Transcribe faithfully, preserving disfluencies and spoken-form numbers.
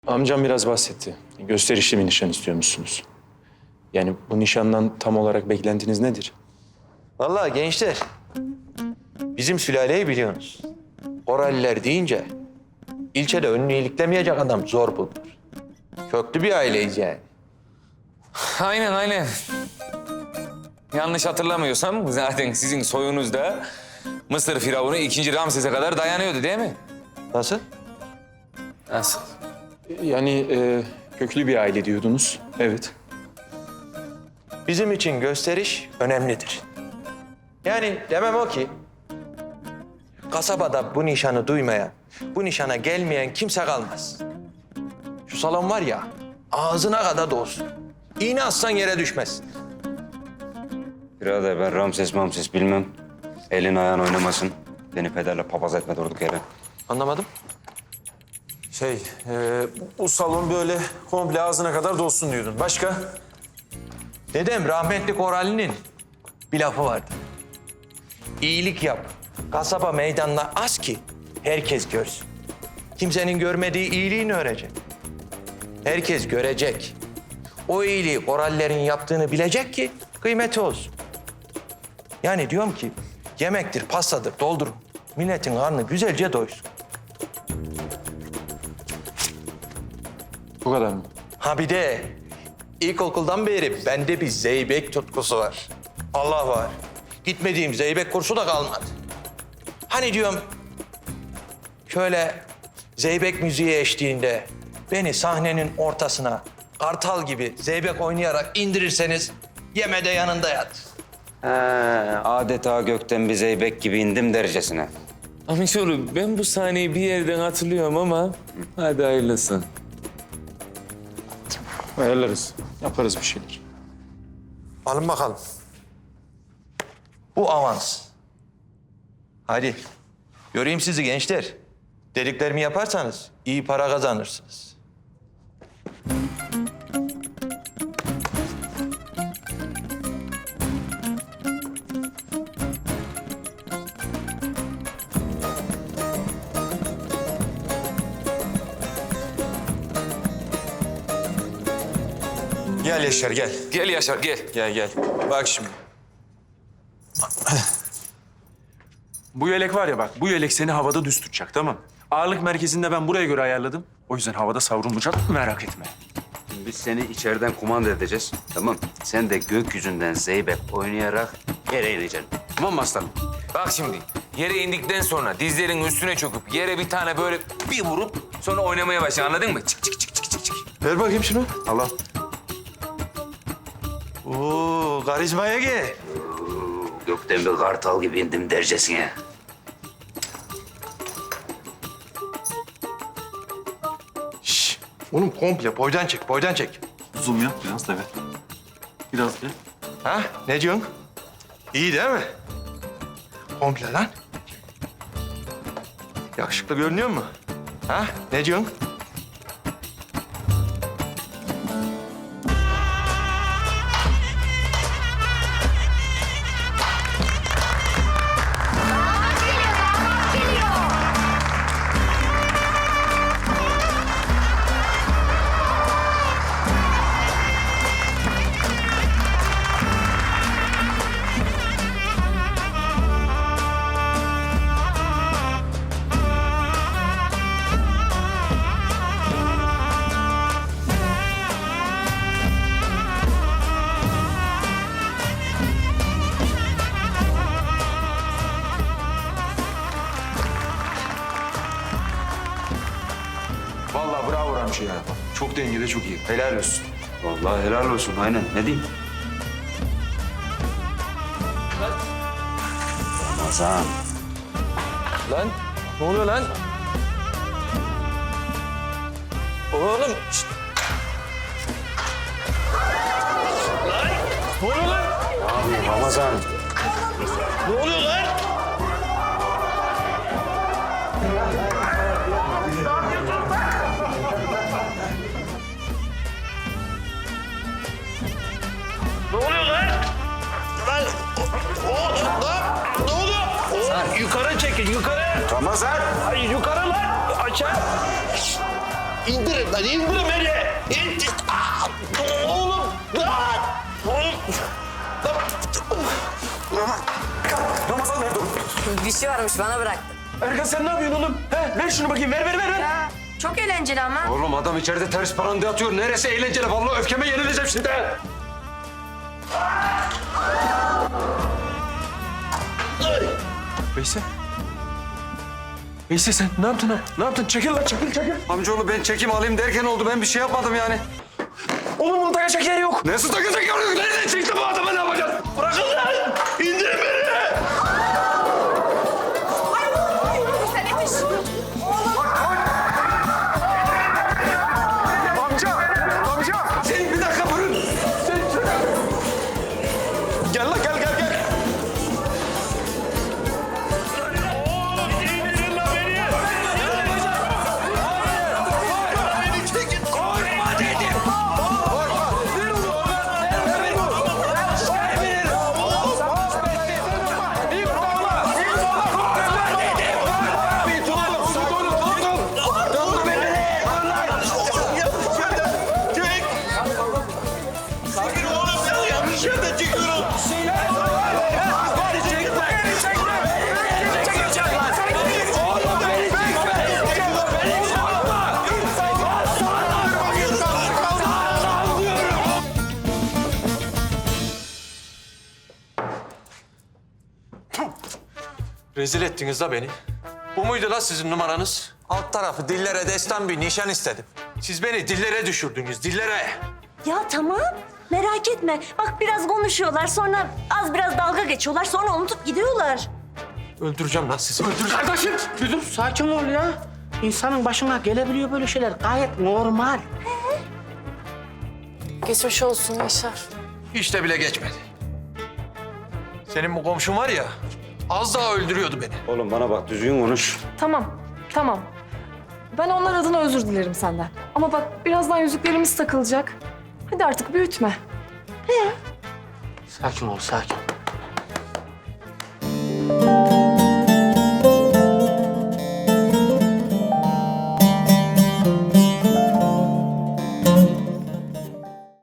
Amcam biraz bahsetti. Gösterişli bir nişan istiyormuşsunuz. Yani bu nişandan tam olarak beklentiniz nedir? Vallahi gençler, bizim sülaleyi biliyorsunuz. Oraliler deyince ilçede önünü iliklemeyecek adam zor bulunur. Köklü bir aileyiz yani. Aynen aynen. Yanlış hatırlamıyorsam zaten sizin soyunuz da Mısır Firavunu ikinci Ramses'e kadar dayanıyordu değil mi? Nasıl? Nasıl? Yani e, köklü bir aile diyordunuz. Evet. Bizim için gösteriş önemlidir. Yani demem o ki, kasabada bu nişanı duymayan, bu nişana gelmeyen kimse kalmaz. Şu salon var ya, ağzına kadar dolsun. İğne atsan yere düşmez. Birader ben Ramses Mamses bilmem. Elin ayağın oynamasın. Beni pederle papaz etme durduk yere. Anlamadım. Şey, e, bu salon böyle komple ağzına kadar dolsun diyordun. Başka? Dedem rahmetli Korali'nin bir lafı vardı. İyilik yap, kasaba meydanına az ki herkes görsün. Kimsenin görmediği iyiliğini öğrenecek. Herkes görecek. O iyiliği Koralilerin yaptığını bilecek ki kıymeti olsun. Yani diyorum ki yemektir, pastadır, doldurun. Milletin karnı güzelce doysun. Bu kadar mı? Ha bir de ilkokuldan beri bende bir zeybek tutkusu var. Allah var. Gitmediğim zeybek kursu da kalmadı. Hani diyorum şöyle zeybek müziği eşliğinde beni sahnenin ortasına kartal gibi zeybek oynayarak indirirseniz yeme de yanında yat. He, adeta gökten bir zeybek gibi indim dercesine. Amcaoğlu ben bu sahneyi bir yerden hatırlıyorum ama hadi hayırlısı. Ayarlarız. Yaparız bir şeyler. Alın bakalım. Bu avans. Hadi. Göreyim sizi gençler. Dediklerimi yaparsanız iyi para kazanırsınız. Gel Yaşar gel. Gel Yaşar gel. Gel gel. Bak şimdi. Bu yelek var ya bak, bu yelek seni havada düz tutacak, tamam mı? Ağırlık merkezinde ben buraya göre ayarladım. O yüzden havada savrulmayacak, merak etme. Biz seni içeriden kumanda edeceğiz. Tamam. Sen de gökyüzünden zeybek oynayarak yere ineceksin. Tamam mı aslanım? Bak şimdi yere indikten sonra dizlerin üstüne çöküp yere bir tane böyle bir vurup sonra oynamaya başla anladın mı? Çık çık çık çık çık çık. Ver bakayım şunu. Allah. Oo, karizmaya gel. Gökten bir kartal gibi indim dercesine. Şş, oğlum komple boydan çek, boydan çek. Zoom yap biraz da ver. Biraz ver. Ha? Ne diyorsun? İyi değil mi? Komple lan. Yakışıklı görünüyor mu? Ha? Ne diyorsun? Vallahi bravo Ramçı ya. Çok dengede, çok iyi. Helal olsun. Vallahi helal olsun. Aynen. Ne diyeyim? Ramazan. Lan ne oluyor lan? Oğlum. Şşt. Lan ne oluyor lan? Abi Ramazan. Ne oluyor lan? Ne oluyor lan? Lan o, o, lan ne oluyor? O, yukarı çekin yukarı. Ramazan. Ay, yukarı lan aşağı. İndirin lan, indirin beni! İndir! Aa, oğlum! Lan! Ramazan nerede? Bir şey varmış bana bıraktı. Erkan sen ne yapıyorsun oğlum? He, ver şunu bakayım. Ver, ver, ver. ver. Çok eğlenceli ama. Oğlum adam içeride ters paranda atıyor. Neresi eğlenceli? Vallahi öfkeme yenileceğim şimdi. Veysel. Veysel sen ne yaptın ha? Ne yaptın? Çekil lan, çekil, çekil. Amcaoğlu ben çekim alayım derken oldu. Ben bir şey yapmadım yani. Oğlum bunu takacak yer yok. Nasıl takacak yok? Nereden çıktı bu adamı ne yapacağız? Bırakın lan! İndirin beni! Amca, amca. Sen bir dakika durun. Gel lan, gel, gel, gel. İndirin lan beni! Beni çekin! Korkma dedim! Çek! Çekil oğlum sen yanlış yerden çekiyorum! Rezil ettiniz la beni. Bu muydu la sizin numaranız? Alt tarafı dillere destan bir nişan istedim. Siz beni dillere düşürdünüz, dillere. Ya tamam, merak etme. Bak biraz konuşuyorlar, sonra az biraz dalga geçiyorlar, sonra unutup gidiyorlar. Öldüreceğim lan sizi, öldüreceğim. Kardeşim bir dur sakin ol ya. İnsanın başına gelebiliyor böyle şeyler. Gayet normal. Geçmiş olsun Yaşar. Hiç de bile geçmedi. Senin bu komşun var ya, az daha öldürüyordu beni. Oğlum bana bak düzgün konuş. Tamam, tamam. Ben onlar adına özür dilerim senden. Ama bak birazdan yüzüklerimiz takılacak. Hadi artık büyütme. Sakin ol sakin.